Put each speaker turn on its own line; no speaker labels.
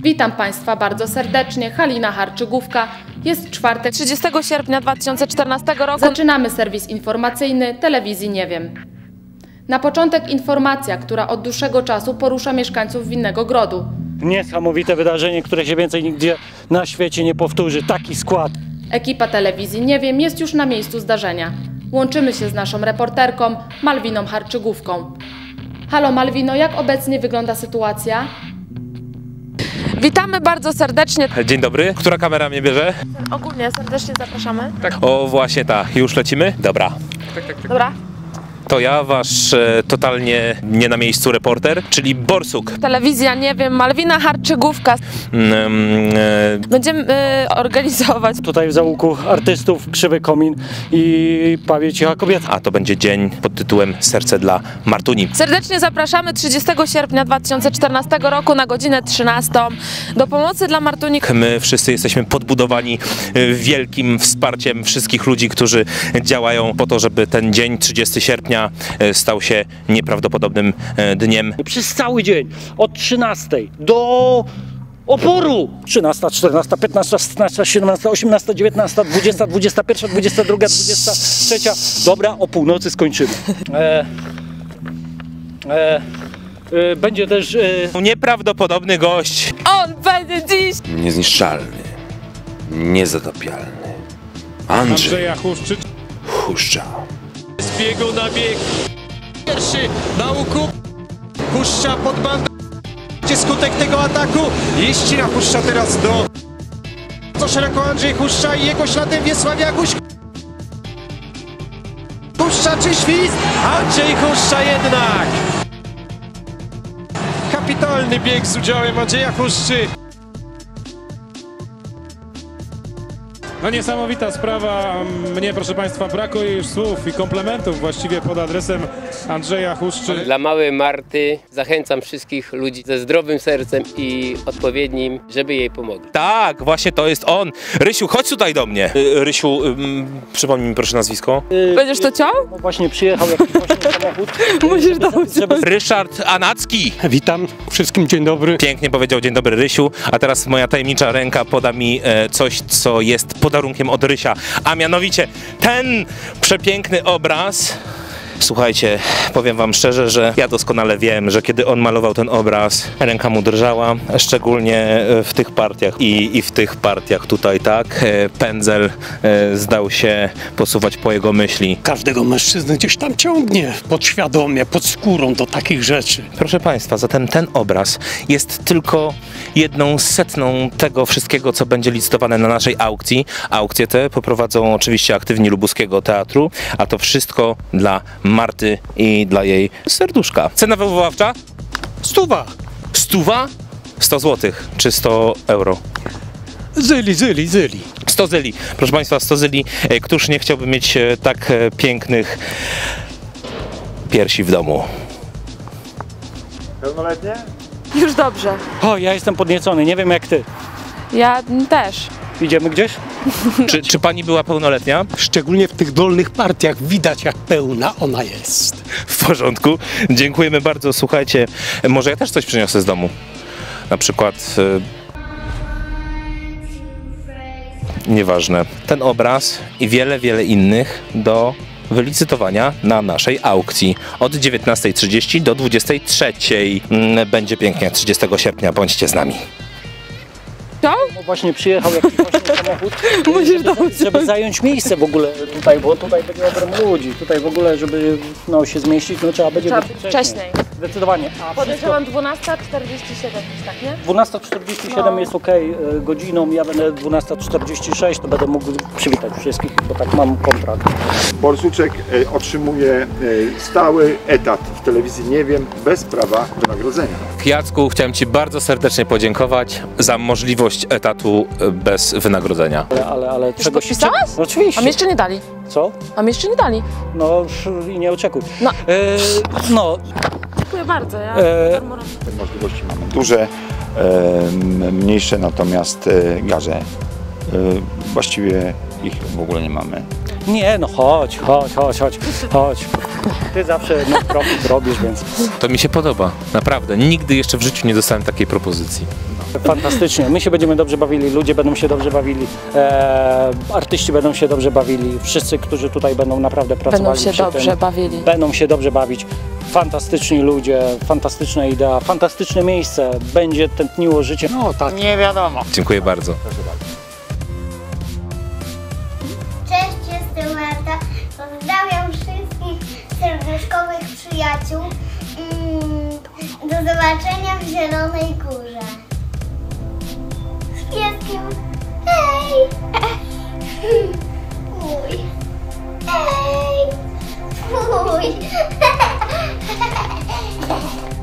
Witam Państwa bardzo serdecznie, Halina Harczygówka. Jest czwartek,
30 sierpnia 2014 roku.
Zaczynamy serwis informacyjny telewizji Nie Wiem. Na początek informacja, która od dłuższego czasu porusza mieszkańców Winnego Grodu.
Niesamowite wydarzenie, które się więcej nigdzie na świecie nie powtórzy. Taki skład.
Ekipa telewizji Nie Wiem jest już na miejscu zdarzenia. Łączymy się z naszą reporterką Malwiną Harczygówką. Halo Malwino, jak obecnie wygląda sytuacja?
Witamy bardzo serdecznie.
Dzień dobry. Która kamera mnie bierze?
Ogólnie serdecznie zapraszamy.
O, właśnie ta. Już lecimy? Dobra.
Dobra.
To ja, wasz totalnie nie na miejscu reporter, czyli Borsuk.
Telewizja Nie Wiem, Malwina Harczygówka. Będziemy organizować.
Tutaj w załuku artystów Krzywy Komin i Pawie Cicha Kobieta.
A to będzie dzień pod tytułem Serce dla Martuni.
Serdecznie zapraszamy 30 sierpnia 2014 roku na godzinę 13 do pomocy dla Martuni.
My wszyscy jesteśmy podbudowani wielkim wsparciem wszystkich ludzi, którzy działają po to, żeby ten dzień 30 sierpnia stał się nieprawdopodobnym dniem.
Przez cały dzień, od 13 do oporu. 13, 14, 15, 16, 17, 18, 19, 20, 21, 22, 23. Dobra, o północy skończymy. Będzie też...
Nieprawdopodobny gość.
On będzie dziś
Niezniszczalny, niezatopialny Andrzej Huszcza.
Z biegu na bieg. Pierwszy na łuku. Huszcza pod bandą. Gdzie skutek tego ataku? Ścina Huszcza teraz do... Co szeroko Andrzej Huszcza i jego śladem Wiesław Jaguś. Huszcza czy świst? Andrzej Huszcza jednak. Kapitalny bieg z udziałem Andrzeja Huszczy.
No niesamowita sprawa, mnie proszę Państwa brakuje już słów i komplementów właściwie pod adresem Andrzeja Huszczy.
Dla małej Marty zachęcam wszystkich ludzi ze zdrowym sercem i odpowiednim, żeby jej pomogli.
Tak, właśnie to jest on. Rysiu, chodź tutaj do mnie. Rysiu, przypomnij mi proszę nazwisko.
Będziesz to ciął?
No właśnie przyjechał jakiś właśnie samochód.
Musisz dać.
Ryszard Anacki.
Witam wszystkim, dzień dobry.
Pięknie powiedział dzień dobry Rysiu, a teraz moja tajemnicza ręka poda mi coś, co jest podarunkiem od Rysia, a mianowicie ten przepiękny obraz. Słuchajcie, powiem wam szczerze, że ja doskonale wiem, że kiedy on malował ten obraz, ręka mu drżała, szczególnie w tych partiach i w tych partiach tutaj, tak, pędzel zdał się posuwać po jego myśli.
Każdego mężczyznę gdzieś tam ciągnie podświadomie, pod skórą do takich rzeczy.
Proszę Państwa, zatem ten obraz jest tylko 1/100 tego wszystkiego, co będzie licytowane na naszej aukcji. Aukcje te poprowadzą oczywiście aktywni Lubuskiego Teatru, a to wszystko dla Marty i dla jej serduszka. Cena wywoławcza?
100.
100? 100 zł czy 100 euro?
Zyli.
100 zyli. Proszę Państwa, 100 zyli. Któż nie chciałby mieć tak pięknych piersi w domu?
Pełnoletnie?
Już dobrze.
O, ja jestem podniecony, nie wiem jak ty.
Ja też.
Idziemy gdzieś?
Czy pani była pełnoletnia?
Szczególnie w tych dolnych partiach widać, jak pełna ona jest.
W porządku. Dziękujemy bardzo. Słuchajcie, może ja też coś przyniosę z domu. Na przykład... Nieważne. Ten obraz i wiele innych do wylicytowania na naszej aukcji od 19:30 do 23:00. Będzie pięknie 30 sierpnia. Bądźcie z nami.
Co?
No właśnie przyjechał jakiś właśnie samochód.
Musisz dać.
Żeby zająć miejsce w ogóle tutaj, bo tutaj będzie ogrom ludzi. Tutaj w ogóle, żeby no, się zmieścić, no trzeba będzie
Wcześniej.
Zdecydowanie. A
Podejrzewam 12:47, tak nie?
12:47 jest ok godziną, ja będę 12:46, to będę mógł przywitać wszystkich, bo tak mam kontrakt.
Borsuczek otrzymuje stały etat w telewizji Nie Wiem bez prawa wynagrodzenia.
Jacku, chciałem Ci bardzo serdecznie podziękować za możliwość etatu bez wynagrodzenia.
Ale
Już
czegoś...
podpisałeś?
No, oczywiście.
A mi jeszcze nie dali.
Co?
A mi jeszcze nie dali.
No i nie oczekuj.
No.
No.
Dziękuję bardzo. Ja
Te możliwości mamy duże, mniejsze natomiast garze. Właściwie ich w ogóle nie mamy.
Nie, no chodź. Ty zawsze profit robisz, więc...
To mi się podoba, naprawdę. Nigdy jeszcze w życiu nie dostałem takiej propozycji.
Fantastycznie. My się będziemy dobrze bawili, ludzie będą się dobrze bawili, artyści będą się dobrze bawili, wszyscy, którzy tutaj będą naprawdę pracowali. Będą się dobrze bawić. Fantastyczni ludzie, fantastyczna idea, fantastyczne miejsce. Będzie tętniło życie. No tak. Nie wiadomo.
Dziękuję bardzo.
Cześć, jestem Marta. Pozdrawiam wszystkich serduszkowych przyjaciół. Do zobaczenia w Zielonej Górze. Z pieskiem. Hej! Mój. Hej! Mój.